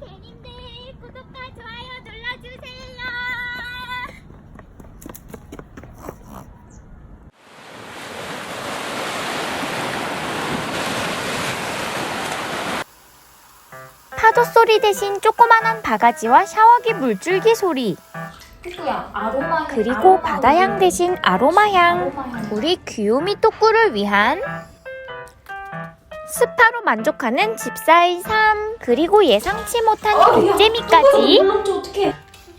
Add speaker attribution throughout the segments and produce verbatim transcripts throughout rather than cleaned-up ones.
Speaker 1: 대님들 구독과 좋아요 눌러주세요. 파도 소리 대신 조그만한 바가지와 샤워기 물줄기 소리,
Speaker 2: 아로마,
Speaker 1: 그리고
Speaker 2: 아로마
Speaker 1: 바다향 대신 아로마향.
Speaker 2: 아로마향.
Speaker 1: 우리 귀요미 또꾸를 위한 스파로 만족하는 집사의 삶, 그리고 예상치 못한 독재미까지.
Speaker 2: 물렁쳐 어떡해.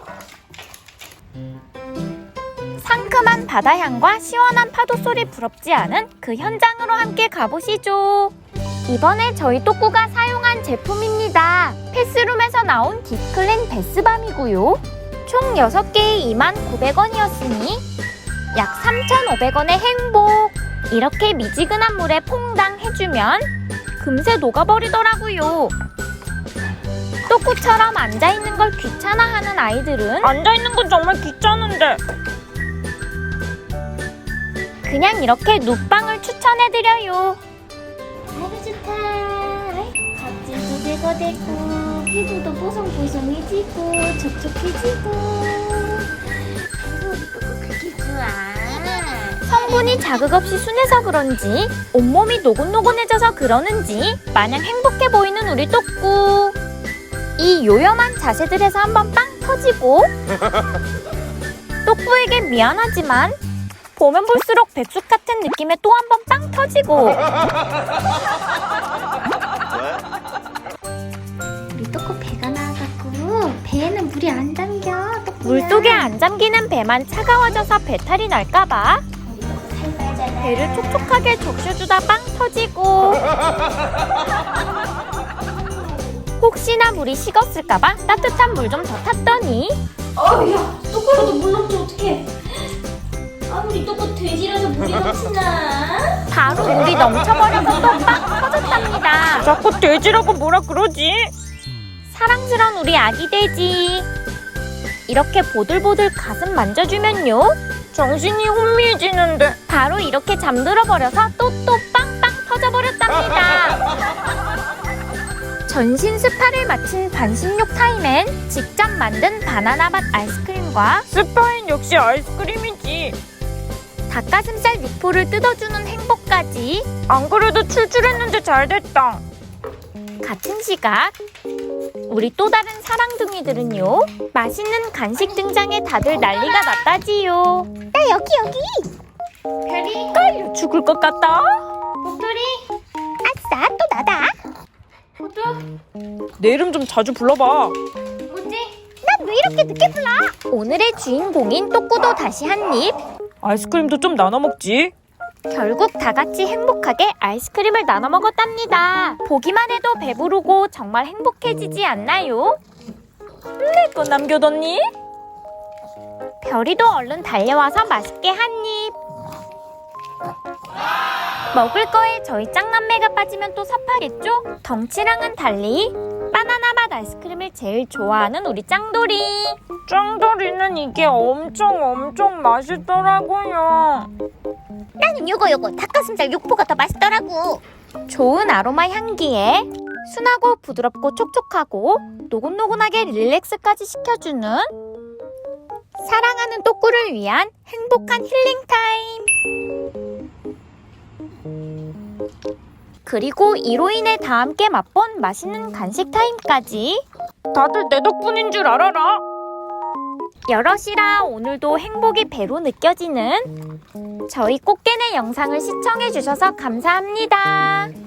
Speaker 1: 상큼한 바다향과 시원한 파도 소리 부럽지 않은 그 현장으로 함께 가보시죠. 이번에 저희 또꾸가 사용한 제품입니다. 패스룸에서 나온 딥클린 베스밤이고요. 총 여섯 개에 이만 구백 원이었으니 약 삼천오백 원의 행복. 이렇게 미지근한 물에 퐁당 해주면 금세 녹아버리더라고요. 또꾸처럼 앉아있는 걸 귀찮아하는 아이들은
Speaker 3: 앉아있는 건 정말 귀찮은데.
Speaker 1: 그냥 이렇게 눕방을 추천해드려요.
Speaker 2: 아이고 좋다. 각질도 제거되고 피부도 뽀송뽀송해지고 촉촉해지고. 아이고 우리 또꾸 그게 좋아.
Speaker 1: 성분이 자극 없이 순해서 그런지 온몸이 노곤노곤해져서 그러는지 마냥 행복해 보이는 우리 또꾸. 이 요염한 자세들에서 한번 빵 터지고 또꾸에게 미안하지만 보면 볼수록 백숙 같은 느낌에 또 한 번 빵 터지고.
Speaker 2: 우리 또꾸 배가 나와갖고 배에는 물이 안 담겨. 또꾸야.
Speaker 1: 물속에 안 잠기는 배만 차가워져서 배탈이 날까봐
Speaker 2: 우리 또꾸 살 빠잖아.
Speaker 1: 배를 촉촉하게 적셔주다 빵 터지고. 혹시나 물이 식었을까봐 따뜻한 물 좀 더 탔더니
Speaker 2: 어우 야 또꾸라도 물렁쳐 어떡해. 아 우리 또꾸 돼지라서 물이 넘치나.
Speaker 1: 바로 물이 넘쳐버려서 또 빵 터졌답니다.
Speaker 3: 자꾸 돼지라고 뭐라 그러지?
Speaker 1: 사랑스러운 우리 아기 돼지. 이렇게 보들보들 가슴 만져주면요,
Speaker 3: 정신이 혼미해지는데.
Speaker 1: 바로 이렇게 잠들어 버려서 또 또 빵빵 터져버렸답니다. 전신 스파를 마친 반신욕 타임엔 직접 만든 바나나 맛 아이스크림과
Speaker 3: 스파인 역시 아이스크림이지.
Speaker 1: 닭가슴살 육포를 뜯어주는 행복까지.
Speaker 3: 안 그래도 출출했는데 잘 됐다.
Speaker 1: 같은 시각 우리 또 다른 사랑둥이들은요, 맛있는 간식 등장에 다들 난리가 났다지요. 나 여기 여기.
Speaker 2: 별이
Speaker 1: 깔려 죽을 것 같다.
Speaker 2: 목도리
Speaker 1: 아싸, 또 나다.
Speaker 2: 호두
Speaker 3: 내 이름 좀 자주 불러봐.
Speaker 2: 뭐지?
Speaker 1: 난 왜 이렇게 늦게 불러? 오늘의 주인공인 또꾸도 다시 한 입.
Speaker 3: 아이스크림도 좀 나눠 먹지.
Speaker 1: 결국 다 같이 행복하게 아이스크림을 나눠 먹었답니다. 보기만 해도 배부르고 정말 행복해지지 않나요?
Speaker 3: 내 거 남겨뒀니?
Speaker 1: 별이도 얼른 달려와서 맛있게 한 입. 먹을 거에 저희 짱남매가 빠지면 또 섭하겠죠? 덩치랑은 달리 바나나 맛 아이스크림을 제일 좋아하는 우리 짱돌이.
Speaker 3: 짱돌이는 이게 엄청 엄청 맛있더라고요.
Speaker 1: 나는 요거 요거 닭가슴살 육포가 더 맛있더라고. 좋은 아로마 향기에 순하고 부드럽고 촉촉하고 노곤노곤하게 릴렉스까지 시켜주는 사랑하는 또꾸를 위한 행복한 힐링 타임. 그리고 이로 인해 다 함께 맛본 맛있는 간식 타임까지.
Speaker 3: 다들 내 덕분인 줄 알아라.
Speaker 1: 여럿이라 오늘도 행복이 배로 느껴지는 저희 꽃게네 영상을 시청해주셔서 감사합니다.